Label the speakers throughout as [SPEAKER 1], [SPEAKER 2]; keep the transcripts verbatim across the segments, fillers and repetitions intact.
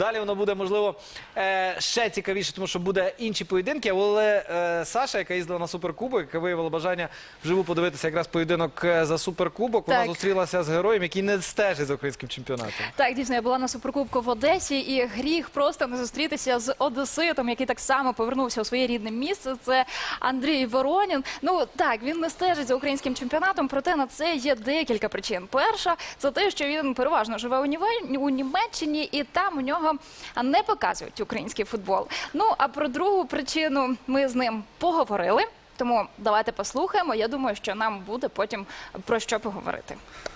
[SPEAKER 1] Далі воно буде, можливо, ще цікавіше, тому що буде інші поєдинки. Але Саша, яка їздила на Суперкубок, яка виявила бажання вживу подивитися якраз поєдинок за Суперкубок, вона зустрілася з героєм, який не стежить за українським чемпіонатом.
[SPEAKER 2] Так, дійсно, я була на Суперкубку в Одесі, і гріх просто не зустрітися з одеситом, який так само повернувся у своє рідне місце. Це Андрій Воронін. Ну, так, він не стежить за українським чемпіонатом, проте на це є декілька причин. Перша – це те, що він переважно живе у Німеччині, і там у нього не показують український футбол. Ну, а про другу причину ми з ним поговорили, тому давайте послухаємо. Я думаю, що нам буде потім про що поговорити.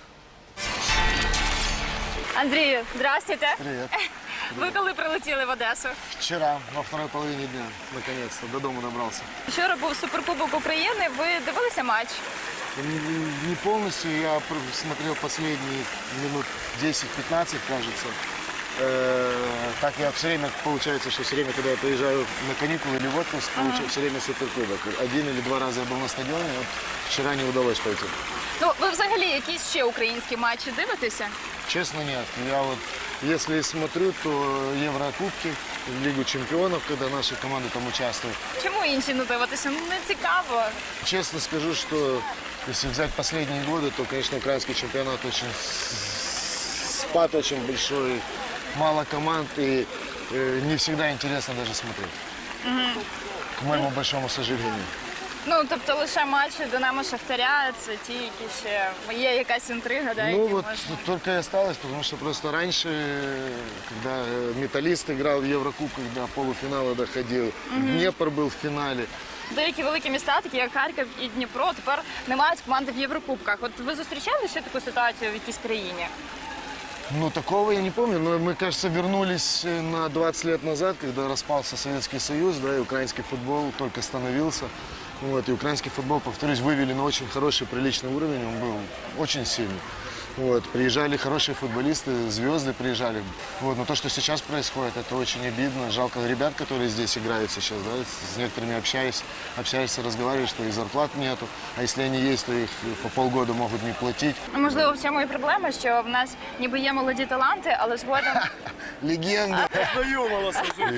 [SPEAKER 2] Андрію, здравствуйте.
[SPEAKER 3] Привет.
[SPEAKER 2] Ви коли прилетіли в Одесу?
[SPEAKER 3] Вчера, во второй половине дня, наконец-то, до дома добрался.
[SPEAKER 2] Вчора був Суперкубок України, ви дивилися матч?
[SPEAKER 3] Не, не полностью, я смотрел последние минут десять-пятнадцать, кажется. Э, так я все время, получается, что все время, когда я приезжаю на каникулы или в отпуск, получаю все время Суперкубок. Один или два раза я был на стадионе, вот вчера не удалось пойти.
[SPEAKER 2] Ну, ви взагалі якісь ще українські матчі дивитеся?
[SPEAKER 3] Честно, нет. Я вот, если смотрю, то Еврокубки, Лигу чемпионов, когда наши команды там участвуют.
[SPEAKER 2] Чому інші не дивитися? Ну, не цікаво.
[SPEAKER 3] Честно скажу, что если взять последние годы, то, конечно, украинский чемпионат очень спад очень большой, мало команд, и э, не всегда интересно даже смотреть. Угу. К моему большому сожалению.
[SPEAKER 2] Ну, тобто лише матчі Динамо Шахтаря, це ті, які ще є якась інтрига, да,
[SPEAKER 3] Ну, вот
[SPEAKER 2] можна...
[SPEAKER 3] только и осталось, потому что просто раньше, когда Металлист играл в Еврокубках, до полуфинала доходил, угу. Днепр был в финале.
[SPEAKER 2] Деякі великі міста, такі як Харків і Дніпро, тепер не мають команди в Єврокубках. От ви зустрічали ще таку ситуацію в якійсь країні?
[SPEAKER 3] Ну, такого я не помню, но мы, кажется, вернулись на двадцать лет назад, когда распался Советский Союз, да, и украинский футбол только становился. Вот, и украинский футбол, повторюсь, вывели на очень хороший, приличный уровень, он был очень сильный. Вот, приезжали хорошие футболисты, звезды приезжали. Вот, но то, что сейчас происходит, это очень обидно. Жалко ребят, которые здесь играют сейчас, да, с некоторыми общаюсь, общаешься, разговариваешь, что и зарплат нету, а если они есть, то их по полгода могут не платить.
[SPEAKER 2] Можливо, в цьому і проблема, що в нас ніби є молоді таланти, але згодом...
[SPEAKER 3] Легенда!
[SPEAKER 4] Знайома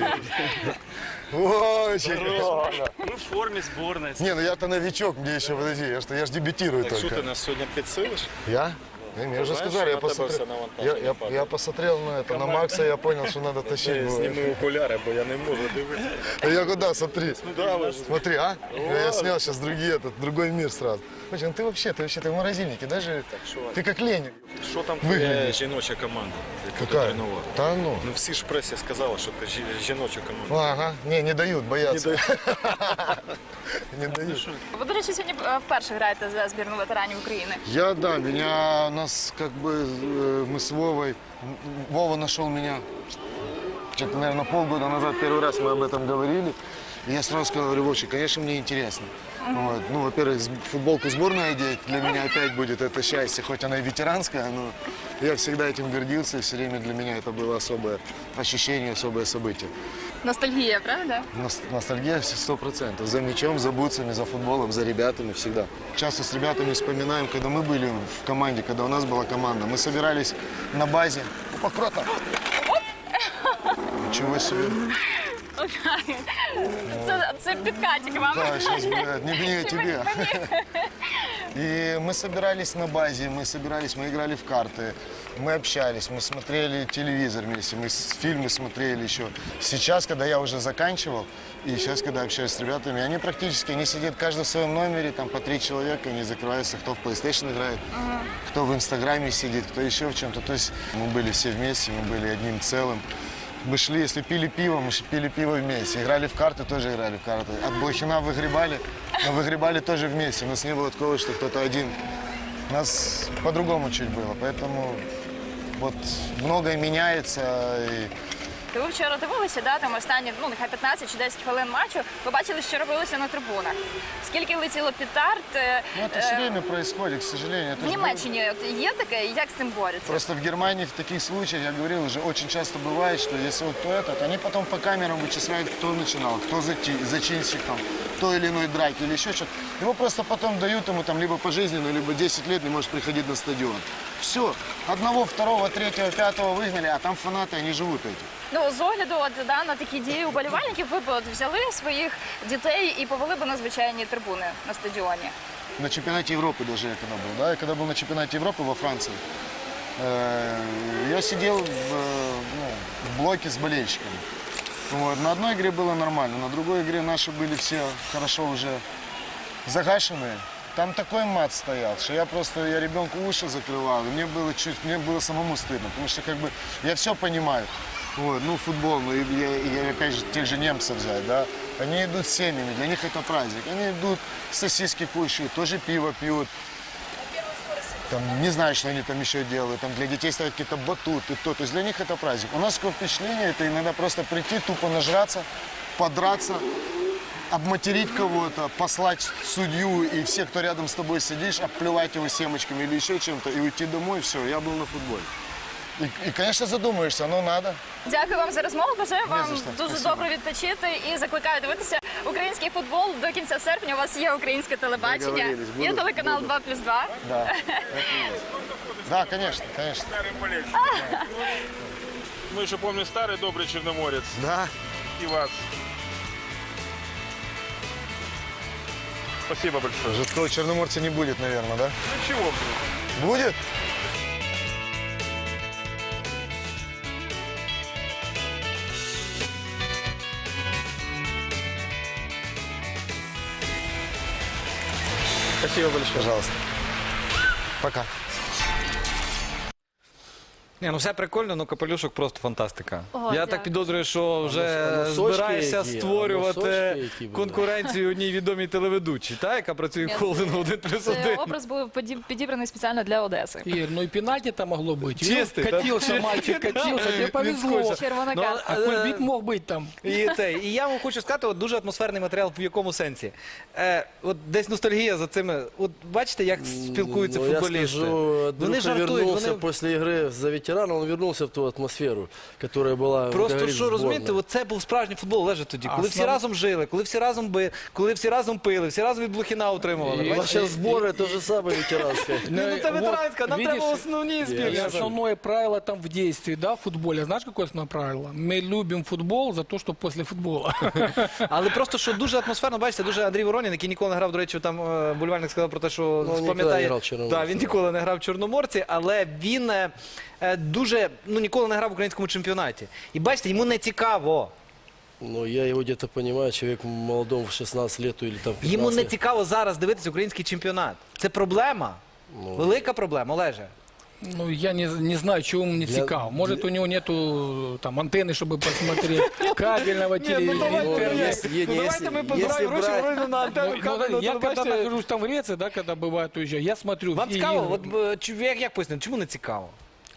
[SPEAKER 3] Очень
[SPEAKER 4] Ну, в форме сборной.
[SPEAKER 3] Не, ну я-то новичок, мне еще, подожди, я, что, я ж дебютирую
[SPEAKER 4] Так
[SPEAKER 3] только.
[SPEAKER 4] что ты нас сегодня подсылишь?
[SPEAKER 3] Я? Не, мне уже
[SPEAKER 4] знаешь,
[SPEAKER 3] сказали, я
[SPEAKER 4] что на тебе
[SPEAKER 3] посмотрел,
[SPEAKER 4] все навантажено
[SPEAKER 3] я, я,
[SPEAKER 4] падає?
[SPEAKER 3] я посмотрел на это, на Макса, я понял, что надо тащить.
[SPEAKER 4] Я
[SPEAKER 3] было.
[SPEAKER 4] сниму окуляри, бо я не можу дивитися.
[SPEAKER 3] А я куда, смотри.
[SPEAKER 4] Да, ложись.
[SPEAKER 3] Смотри, а? Я снял сейчас другие, этот, другой мир сразу. Слушай, ну ты вообще, ты вообще, ты в морозильнике, даже,
[SPEAKER 4] що?
[SPEAKER 3] ты как Ленин.
[SPEAKER 4] Що там
[SPEAKER 3] Виглядиш.
[SPEAKER 4] твоя жіноча команда, яку ти
[SPEAKER 3] Какая?
[SPEAKER 4] тренував?
[SPEAKER 3] Да ну.
[SPEAKER 4] Ну всі ж в пресі сказали, що ти жі- жіноча команда.
[SPEAKER 3] Ага, не, не дают, боятся. Не дают.
[SPEAKER 2] Ви, до речі, сьогодні е, вперше граєте за збірну ветеранів України.
[SPEAKER 3] Я, да, меня, нас как бы, э, мы с Вовой, Вова нашел меня, что-то, наверное, полгода назад, первый раз мы об этом говорили. И я сразу сказал, говорю, Вовчик, конечно, мне интересно. Вот. Ну, во-первых, с- футболку сборной одеть для меня опять будет это счастье, хоть она и ветеранская, но я всегда этим гордился, и все время для меня это было особое ощущение, особое событие.
[SPEAKER 2] Ностальгія, правда?
[SPEAKER 3] Нос- Ностальгия сто процентов. За мячом, за бутсами, за футболом, за ребятами всегда. Часто с ребятами вспоминаем, когда мы были в команде, когда у нас была команда. Мы собирались на базе. Опа, круто! Ничего себе.
[SPEAKER 2] Це, це підкатик вам.
[SPEAKER 3] Да, сейчас, блядь, не мне, тебе. И мы собирались на базе, мы собирались, мы играли в карты, мы общались, мы смотрели телевизор вместе, мы с- фильмы смотрели еще. Сейчас, когда я уже заканчивал, и сейчас, когда общаюсь с ребятами, они практически, они сидят каждый в своем номере, там по три человека, они закрываются, кто в PlayStation играет, кто в Инстаграме сидит, кто еще в чем-то. То есть мы были все вместе, мы были одним целым. Мы шли, если пили пиво, мы ш- пили пиво вместе. Играли в карты, тоже играли в карты. От Блохина выгребали, но выгребали тоже вместе. У нас не было такого, что кто-то один. У нас по-другому чуть было. Поэтому вот многое меняется. И
[SPEAKER 2] То ви вчора дивилися, да, там останні, ну, нехай п'ятнадцять чи десять хвилин матчу, ви бачили, що робилося на трибунах. Скільки летіло петард. е,
[SPEAKER 3] ну, это все время происходит, к сожалению. Это
[SPEAKER 2] В
[SPEAKER 3] ж
[SPEAKER 2] Німеччині от є таке, як з цим борються?
[SPEAKER 3] Просто в Германии в таких случаях, я говорил, уже очень часто бывает, что если вот то этот, они потом по камерам вычисляют, кто начинал, кто зачи- зачинщик, там, кто той или иной драке или еще что-то. Его просто потом дают ему там либо пожизненную, либо десять лет не может приходить на стадион. Все. Одного, второго, третьего, пятого выгнали, а там фанаты, они живут этим.
[SPEAKER 2] Ну, з огляду от, да, на такі дії уболівальників, ви б от взяли своїх дітей і повели б на звичайні трибуни на стадіоні.
[SPEAKER 3] На чемпионате Европы даже я когда был, да, я когда был на чемпионате Европы во Франции, э, я сидел в, э, ну, в блоке с болельщиками. Вот. На одной игре было нормально, на другой игре наши были все хорошо уже загашенные. Там такой мат стоял, что я просто, я ребенку уши закрывал, и мне было чуть, мне было самому стыдно, потому что как бы я все понимаю. Вот, ну, футбол, ну, и, я, и, опять же, тех же немцев взять, да, они идут с семьями, для них это праздник, они идут, сосиски кушают, тоже пиво пьют, там, не знаю, что они там еще делают, там для детей ставят какие-то батуты, то, то есть для них это праздник. У нас такое впечатление, это иногда просто прийти, тупо нажраться, подраться, обматерить кого-то, послать судью и всех, кто рядом с тобой сидишь, обплевать его семечками или еще чем-то, и уйти домой, все, я был на футболе. И, и, конечно, задумаешься, ну надо.
[SPEAKER 2] Дякую вам за розмову. Бажаю вам
[SPEAKER 3] за що.
[SPEAKER 2] дуже
[SPEAKER 3] Спасибо.
[SPEAKER 2] добре відпочити і закликаю дивитися український футбол до кінця серпня. У вас є українське телебачення,
[SPEAKER 3] Договорились,
[SPEAKER 2] є
[SPEAKER 3] буду,
[SPEAKER 2] телеканал
[SPEAKER 3] буду.
[SPEAKER 2] два плюс два.
[SPEAKER 3] Да, да, конечно, конечно.
[SPEAKER 5] Старый болельщик. Мы еще помним старый добрый Черноморец.
[SPEAKER 3] Да.
[SPEAKER 5] И вас. Спасибо большое.
[SPEAKER 3] Жесткого черноморца не будет, наверное, да?
[SPEAKER 5] Ну чего вдруг?
[SPEAKER 3] Будет?
[SPEAKER 1] Спасибо большое.
[SPEAKER 3] Пожалуйста. Пока.
[SPEAKER 1] Ні, ну все прикольно, ну капелюшок просто фантастика.
[SPEAKER 2] О,
[SPEAKER 1] Я
[SPEAKER 2] дякую.
[SPEAKER 1] так підозрюю, що вже
[SPEAKER 6] А носочки
[SPEAKER 1] збираєшся
[SPEAKER 6] які, а
[SPEAKER 1] створювати
[SPEAKER 6] носочки які були.
[SPEAKER 1] конкуренцію одній відомій телеведучій, та, яка працює в
[SPEAKER 2] Ні,
[SPEAKER 1] холдингу один плюс
[SPEAKER 2] Це
[SPEAKER 1] один.
[SPEAKER 2] образ був поді- підібраний спеціально для Одеси.
[SPEAKER 7] Ир, ну и пенальти-то могло быть.
[SPEAKER 1] Чистый,
[SPEAKER 7] Ну,
[SPEAKER 1] да?
[SPEAKER 7] катился мальчик, катился, тебе повезло.
[SPEAKER 1] Відскочив.
[SPEAKER 2] Червона
[SPEAKER 1] Ну,
[SPEAKER 2] картка.
[SPEAKER 7] А Кульбит мог быть там.
[SPEAKER 1] І, це, і я вам хочу сказати, от дуже атмосферний матеріал в якому сенсі. Е, от десь ностальгія за цими. От бачите, як спілкуються
[SPEAKER 6] Ну, я
[SPEAKER 1] футболісти.
[SPEAKER 6] скажу,
[SPEAKER 1] Вони
[SPEAKER 6] Андрюха
[SPEAKER 1] жартують,
[SPEAKER 6] вернулся
[SPEAKER 1] вони
[SPEAKER 6] после игры за ветерана, он вернулся в ту атмосферу, которая была, как
[SPEAKER 1] просто
[SPEAKER 6] говорит,
[SPEAKER 1] що розумієте,
[SPEAKER 6] сборной.
[SPEAKER 1] от це був справжній футбол, Олеже, тоді, коли всі
[SPEAKER 7] основ-
[SPEAKER 1] разом жили, коли всі разом би, коли всі разом пили, всі разом від Блохіна отримували.
[SPEAKER 7] І-
[SPEAKER 6] У нас
[SPEAKER 1] бачите?
[SPEAKER 6] сейчас сборы, то же самое ветеранское.
[SPEAKER 1] Ні, ну це
[SPEAKER 7] вот,
[SPEAKER 1] ветеранська, нам
[SPEAKER 7] видишь,
[SPEAKER 1] треба основні
[SPEAKER 7] И
[SPEAKER 1] збірні.
[SPEAKER 7] основное правило там в действии, да, в футболе. Знаешь, какое основное правило? Мы любим футбол за то, что после футбола.
[SPEAKER 1] Але просто що дуже атмосферно, бачите, дуже Андрій Воронін, який ніколи не грав, до речі, там е, Бульвальник сказав про те, що
[SPEAKER 6] Ну, ніколи не
[SPEAKER 1] пам'ятає.
[SPEAKER 6] грав в Чорноморці.
[SPEAKER 1] Так, він ніколи не грав в Чорноморці, але він е, е, дуже, ну ніколи не грав в українському чемпіонаті. І бачите, йому не цікаво.
[SPEAKER 6] Ну, я его где-то понимаю, человек молодому в шестнадцать лет или там пятнадцать.
[SPEAKER 1] Йому не цікаво зараз дивитися український чемпіонат. Це проблема.
[SPEAKER 6] Ну.
[SPEAKER 1] Велика проблема, Олеже.
[SPEAKER 7] Ну, я не, не знаю, чего ему не
[SPEAKER 6] Для-
[SPEAKER 7] цікаво. Может, у него нету там антенны, чтобы посмотреть, кабельного
[SPEAKER 1] Ні, ну
[SPEAKER 7] телевидения.
[SPEAKER 1] давайте,
[SPEAKER 6] ну,
[SPEAKER 1] ми-
[SPEAKER 6] если-
[SPEAKER 1] ну,
[SPEAKER 6] если-
[SPEAKER 1] давайте ми
[SPEAKER 6] если
[SPEAKER 1] позбираємо гроші
[SPEAKER 6] брать-
[SPEAKER 1] Вороніну на
[SPEAKER 7] Ну,
[SPEAKER 1] антенну
[SPEAKER 7] ну,
[SPEAKER 1] кабельну
[SPEAKER 7] я когда
[SPEAKER 1] телебачення.
[SPEAKER 7] нахожусь там в Греции, да, когда бывает уезжаю, я смотрю
[SPEAKER 1] Вам
[SPEAKER 7] все
[SPEAKER 1] цікаво?
[SPEAKER 7] игры.
[SPEAKER 1] От, е, чу- як, як пояснити, чому не цікаво?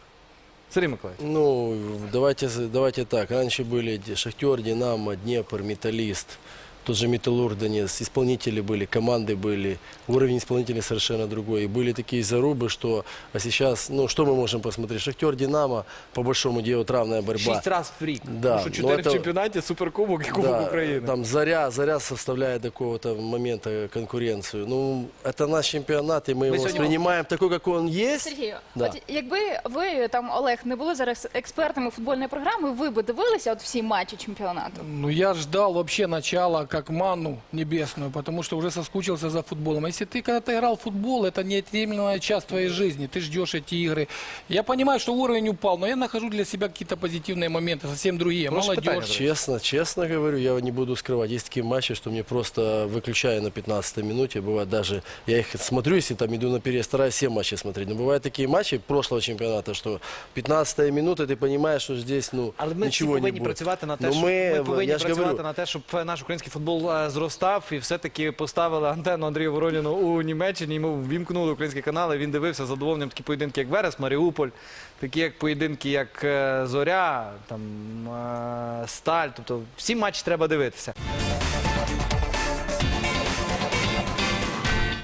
[SPEAKER 1] Сергій Миколаївич.
[SPEAKER 6] Ну, давайте, давайте так. Раньше были Ди- Шахтер, Динамо, Днепр, Металлист. Тот же Металлург Донец. Исполнители были, команды были. Уровень исполнителей совершенно другой. И были такие зарубы, что... А сейчас, ну, что мы можем посмотреть? Шахтер, Динамо, по большому делу, вот равная борьба.
[SPEAKER 1] Шість разів в рік.
[SPEAKER 6] Да,
[SPEAKER 1] Тому що
[SPEAKER 6] ну,
[SPEAKER 1] чотири в
[SPEAKER 6] це-
[SPEAKER 1] чемпіонаті, суперкубок і Кубок
[SPEAKER 6] Да,
[SPEAKER 1] України.
[SPEAKER 6] там Заря, Заря составляет до какого-то момента конкуренцию. Ну, это наш чемпионат, и мы его
[SPEAKER 1] сегодня-
[SPEAKER 6] воспринимаем такой, как он есть.
[SPEAKER 2] Сергію,
[SPEAKER 6] Да.
[SPEAKER 2] от якби ви там Олег не були зараз експертами футбольної програми, ви б дивилися от всі матчі чемпіонату?
[SPEAKER 7] Ну, я ждал вообще начала как ману небесную, потому что уже соскучился за футболом. Если ты когда-то играл в футбол, это неотъемлемая часть твоей жизни. Ты ждешь эти игры. Я понимаю, что уровень упал, но я нахожу для себя какие-то позитивные моменты, совсем другие.
[SPEAKER 1] Прошу
[SPEAKER 7] Молодежь.
[SPEAKER 1] питання,
[SPEAKER 6] Честно, честно говорю, я не буду скрывать. Есть такие матчи, что мне просто выключаю на пятнадцатой минуте. Бывает даже, я их смотрю, если там иду на перерыв, стараюсь все матчи смотреть. Но бывают такие матчи прошлого чемпионата, что пятнадцатая минута, ты понимаешь, что здесь, ну,
[SPEAKER 1] Але ми всі
[SPEAKER 6] ничего не
[SPEAKER 1] повинні
[SPEAKER 6] будет.
[SPEAKER 1] працювати на те,
[SPEAKER 6] Ну,
[SPEAKER 1] щоб
[SPEAKER 6] ми-
[SPEAKER 1] ми повинні
[SPEAKER 6] я ж
[SPEAKER 1] працювати
[SPEAKER 6] говорю.
[SPEAKER 1] на те, щоб наш український футбол е, зростав і все-таки поставили антенну Андрію Вороніну у Німеччині. Йому ввімкнули українські канали. Він дивився з задоволенням такі поєдинки, як Верес, Маріуполь, такі як поєдинки, як е, Зоря, там е, Сталь. Тобто всі матчі треба дивитися.